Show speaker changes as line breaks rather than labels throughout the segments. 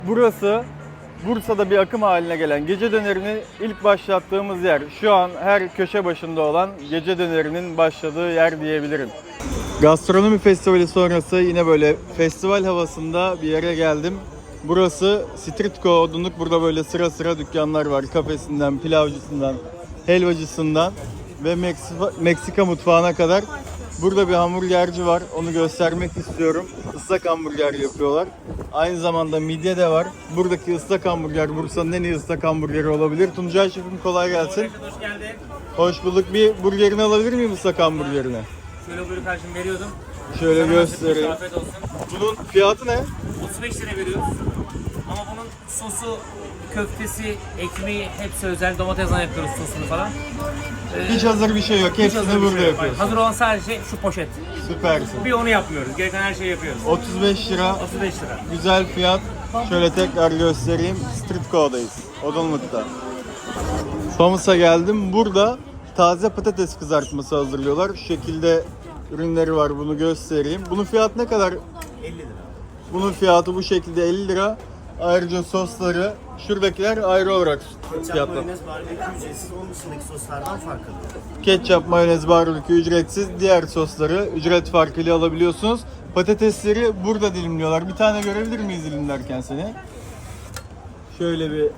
Burası Bursa'da bir akım haline gelen gece dönerini ilk başlattığımız yer. Şu an her köşe başında olan gece dönerinin başladığı yer diyebilirim. Gastronomi festivali sonrası yine böyle festival havasında bir yere geldim. Burası Street Co Odunluk. Burada böyle sıra sıra dükkanlar var. Kafesinden, pilavcısından, helvacısından ve Meksika mutfağına kadar. Burada bir hamburgerci var. Onu göstermek istiyorum. Islak hamburger yapıyorlar. Aynı zamanda midye de var. Buradaki ıslak hamburger Bursa'nın en iyi ıslak hamburgeri olabilir. Tuncay Şef'im kolay gelsin.
Hoş geldin.
Hoş bulduk. Bir burgerini alabilir miyim ıslak hamburgerini?
Şöyle buyur karşım veriyordum.
Şöyle göstereyim.
Afiyet olsun.
Bunun fiyatı ne?
35 lira veriyoruz. Ama bunun sosu, köftesi, ekmeği hepsi özel. Domatesle yapıyoruz sosunu falan.
Hiç hazır bir şey yok.
Hiç hazır
Hepsini
bir
burada
şey yok.
yapıyorsun.
Hazır olan sadece şu poşet.
Süpersin.
Bir onu yapmıyoruz. Gereken her şeyi yapıyoruz.
35 lira.
35 lira.
Güzel fiyat. Şöyle tekrar göstereyim. Street Co'dayız. Odunluk'ta. Famus'a geldim. Burada taze patates kızartması hazırlıyorlar. Şu şekilde ürünleri var. Bunu göstereyim. Bunun fiyatı ne kadar?
50 lira.
Bunun fiyatı bu şekilde 50 lira. Ayrıca sosları şuradakiler ayrı olarak
Ketçap,
fiyatlı.
mayonez, barbekü ücretsiz. Onun dışındaki soslardan farklı.
Ketçap, mayonez, barbekü ücretsiz. Diğer sosları ücret farkıyla alabiliyorsunuz. Patatesleri burada dilimliyorlar. Bir tane görebilir miyiz dilimlerken seni? Şöyle bir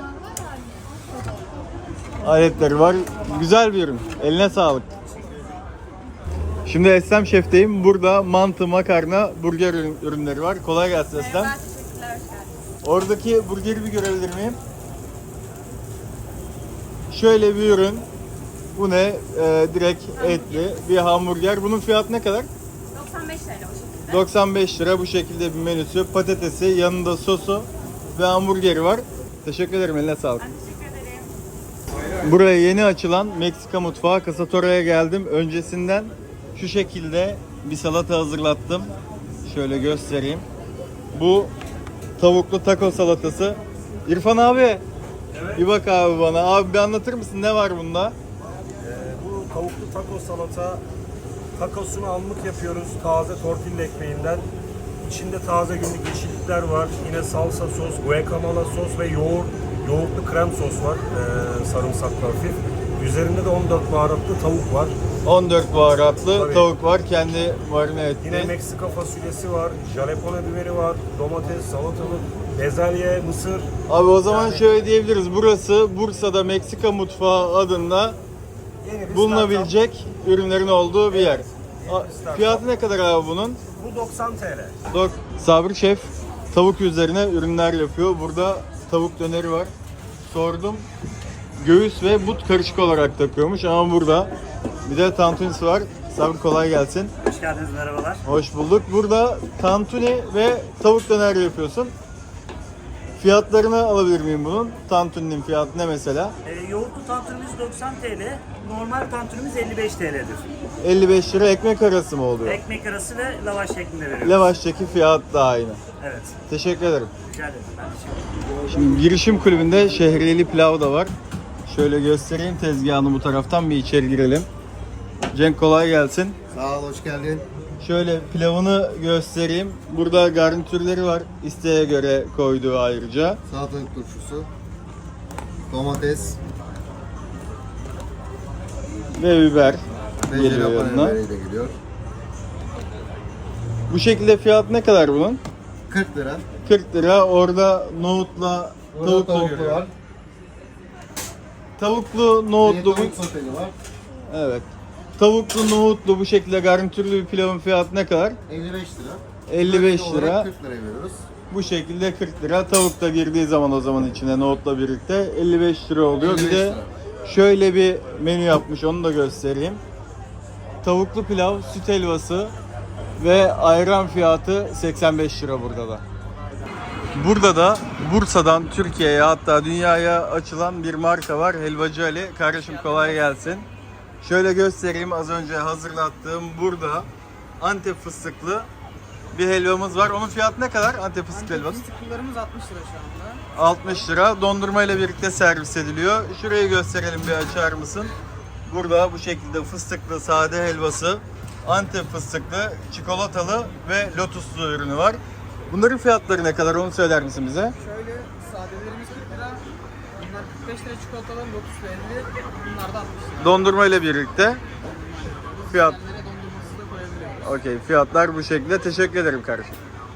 aletleri var. Güzel bir ürün. Eline sağlık. Şimdi Eslem Şef'teyim. Burada mantı, makarna, burger ürünleri var. Kolay gelsin Eslem.
Merhaba, teşekkürler, hoş geldiniz.
Oradaki burgeri bir görebilir miyim? Şöyle bir ürün. Bu ne? Direkt etli bir hamburger. Bunun fiyatı ne kadar?
95 TL o şekilde.
95 lira bu şekilde bir menüsü. Patatesi, yanında sosu ve hamburgeri var. Teşekkür ederim. Eline sağlık.
Ben teşekkür ederim.
Buraya yeni açılan Meksika mutfağı Casatora'ya geldim. Öncesinden şu şekilde bir salata hazırlattım. Şöyle göstereyim. Bu tavuklu taco salatası. İrfan abi.
Evet.
Bir bak abi bana. Abi bir anlatır mısın? Ne var bunda?
Bu tavuklu taco salata, takosunu anlık yapıyoruz taze tortilla ekmeğinden. İçinde taze günlük yeşillikler var. Yine salsa sos, guacamole sos ve yoğurtlu krem sos var. Sarımsaklı hafif. Üzerinde de 14 baharatlı tavuk var.
14 baharatlı
Tabii.
tavuk var. Kendi marine
Yine
ettiği.
Meksika fasulyesi var, jalapeno biberi var, domates, salatalık, bezelye, mısır.
Abi o zaman
Yani-
şöyle diyebiliriz. Burası Bursa'da Meksika mutfağı adında
Yeni bir
bulunabilecek ürünlerin olduğu bir yer.
Evet, yeni bir startup.
Fiyatı ne kadar abi bunun?
startup. Bu 90 TL.
Sabri Şef tavuk üzerine ürünler yapıyor. Burada tavuk döneri var. Sordum. Göğüs ve but karışık olarak takıyormuş ama burada bir de tantunisi var. Sabri kolay gelsin.
Hoş geldiniz, merhabalar.
Hoş bulduk. Burada tantuni ve tavuk döner yapıyorsun. Fiyatlarını alabilir miyim bunun? Tantuninin fiyatı ne mesela?
Yoğurtlu tantunimiz 90 TL, normal tantunimiz 55 TL'dir.
55 lira ekmek arası mı oluyor?
Ekmek arası ve lavaş şeklinde veriyoruz.
Lavaştaki fiyat da aynı.
Evet,
Teşekkür ederim.
rica ederim. Ben teşekkür ederim.
Şimdi girişim kulübünde şehriyeli pilav da var. Şöyle göstereyim tezgahını bu taraftan bir içeri girelim. Cenk kolay gelsin.
Sağ ol, hoş geldin.
Şöyle pilavını göstereyim. Burada garnitürleri var. İsteğe göre koyduğu ayrıca.
Salatalık turşusu, domates
Ve biber
ve
geliyor
jalapeno
yanına.
biberi de geliyor.
Bu şekilde fiyat ne kadar bunun?
40 lira.
40 lira. Orada nohutla
Burada
tavuklu
tavuklu
görüyorum.
var.
Tavuklu,
Bir
nohutlu.
tavuk soteli var.
Evet. Tavuklu, nohutlu bu şekilde garnitürlü bir pilavın fiyatı ne kadar?
55 lira.
55
Bölge olarak
lira.
40 liraya veriyoruz.
Bu şekilde 40 lira. Tavuk da girdiği zaman o zaman içine nohutla birlikte 55 lira oluyor.
55
Bir de
lira.
şöyle bir menü yapmış, onu da göstereyim. Tavuklu pilav, süt helvası ve ayran fiyatı 85 lira burada da. Burada da Bursa'dan Türkiye'ye hatta dünyaya açılan bir marka var. Helvacı Ali. Kardeşim kolay gelsin. Şöyle göstereyim, az önce hazırlattığım burada Antep fıstıklı bir helvamız var. Onun fiyatı ne kadar Antep fıstıklı helvanın?
Fıstıklılarımız 60 lira şu anda.
60 lira. Dondurma ile birlikte servis ediliyor. Şurayı gösterelim, bir açar mısın? Burada bu şekilde fıstıklı sade helvası, Antep fıstıklı, çikolatalı ve lotuslu ürünü var. Bunların fiyatları ne kadar onu söyler misin bize?
Şöyle sadelerimiz 40 lira. Bunlar 45 lira çikolatalar, lotus ve 50. Bunlar da 60 lira.
Dondurma ile birlikte fiyat.
Kendileri dondurması da koyabiliyoruz.
Okey, fiyatlar bu şekilde. Teşekkür ederim kardeşim.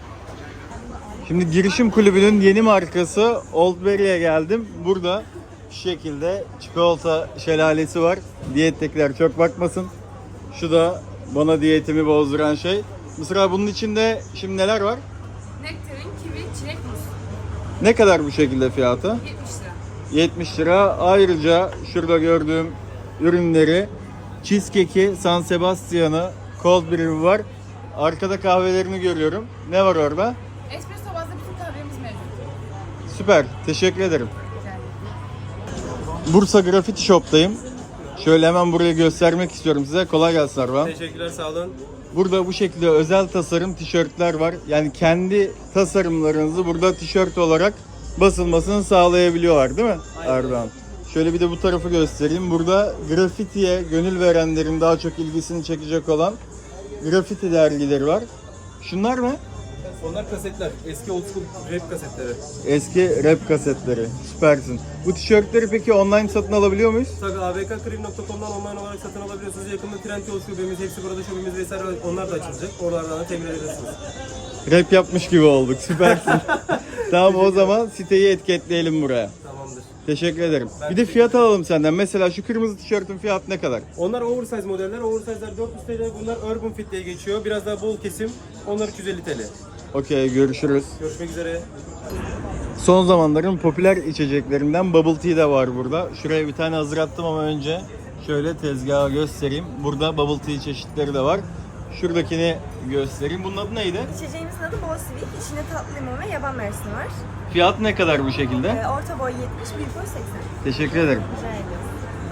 Şimdi girişim kulübünün yeni markası Oldberry'e geldim. Burada şu şekilde çikolata şelalesi var. Diyettekiler çok bakmasın. Şu da bana diyetimi bozduran şey. Mısra, bunun içinde şimdi neler var?
Nektarin, kivi, çilek, muz.
Ne kadar bu şekilde fiyatı?
70 lira.
70 lira. Ayrıca şurada gördüğüm ürünleri, cheesecake'i, San Sebastian'ı, cold brew'i var. Arkada kahvelerini görüyorum. Ne var orada?
Espresso bazlı bütün kahvemiz mevcut.
Süper. Teşekkür ederim.
Rica ederim.
Bursa Graffiti Shop'tayım. Şöyle hemen burayı göstermek istiyorum size. Kolay gelsin Arvan.
Teşekkürler, sağ olun.
Burada bu şekilde özel tasarım tişörtler var. Yani kendi tasarımlarınızı burada tişört olarak basılmasını sağlayabiliyorlar değil mi Erdoğan? Şöyle bir de bu tarafı göstereyim. Burada grafitiye gönül verenlerin daha çok ilgisini çekecek olan grafiti dergileri var. Şunlar mı?
Onlar kasetler. Eski old school rap kasetleri.
Eski rap kasetleri. Süpersin. Bu tişörtleri peki online satın alabiliyor muyuz?
Tabii abkkrim.com'dan online olarak satın alabiliyorsunuz. Yakında Trendyol şubemiz, hepsi burada şubemiz vesaire onlar da açılacak. Oralardan da temin edebilirsiniz.
Rap yapmış gibi olduk. Süpersin. Tamam, o zaman siteyi etiketleyelim buraya.
Tamamdır.
Teşekkür ederim. Bir de fiyat alalım senden. Mesela şu kırmızı tişörtün fiyatı ne kadar?
Onlar oversize modeller. Oversize'ler 400 TL. Bunlar Urban Fit diye geçiyor. Biraz daha bol kesim. Onlar 250 TL.
Okey, görüşürüz.
Görüşmek üzere.
Son zamanların popüler içeceklerinden Bubble Tea de var burada. Şuraya bir tane hazırlattım ama önce şöyle tezgahı göstereyim. Burada Bubble Tea çeşitleri de var. Şuradakini göstereyim. Bunun adı neydi?
İçeceğimizin adı Bol Sweet. İçinde tatlı limon ve yaban mersini var.
Fiyat ne kadar bu şekilde?
Orta boy 70, büyük boy 80.
Teşekkür ederim.
Rica ediyoruz.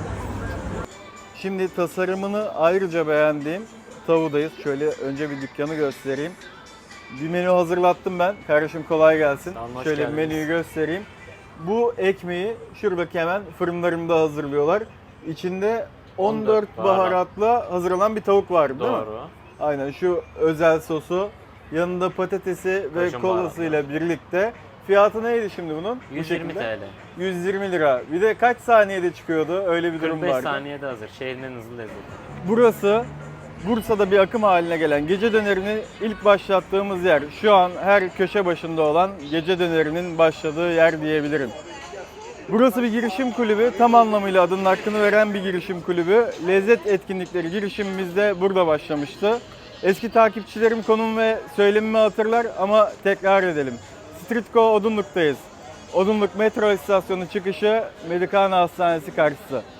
Şimdi tasarımını ayrıca beğendiğim Tavu'dayız. Şöyle önce bir dükkanı göstereyim. Bir menü hazırlattım ben. Kardeşim kolay gelsin.
Tamam, hoş
Şöyle
geldiniz.
menüyü göstereyim. Bu ekmeği şuradaki hemen fırınlarında hazırlıyorlar. İçinde 14 baharatla hazırlanan bir tavuk var değil mi?
Doğru.
Aynen, şu özel sosu, yanında patatesi ve
Kaşın
kolasıyla birlikte. Fiyatı neydi şimdi bunun? Bu
120
şekilde.
TL.
120 lira. Bir de kaç saniyede çıkıyordu? Öyle bir durum
45
vardı.
saniyede hazır. Şehrin en hızlı lezzeti.
Burası Bursa'da bir akım haline gelen gece dönerini ilk başlattığımız yer. Şu an her köşe başında olan gece dönerinin başladığı yer diyebilirim. Burası bir girişim kulübü. Tam anlamıyla adının hakkını veren bir girişim kulübü. Lezzet etkinlikleri girişimimiz de burada başlamıştı. Eski takipçilerim konum ve söylemimi hatırlar ama tekrar edelim. Streetco Odunluk'tayız. Odunluk metro istasyonu çıkışı Medikana Hastanesi karşısı.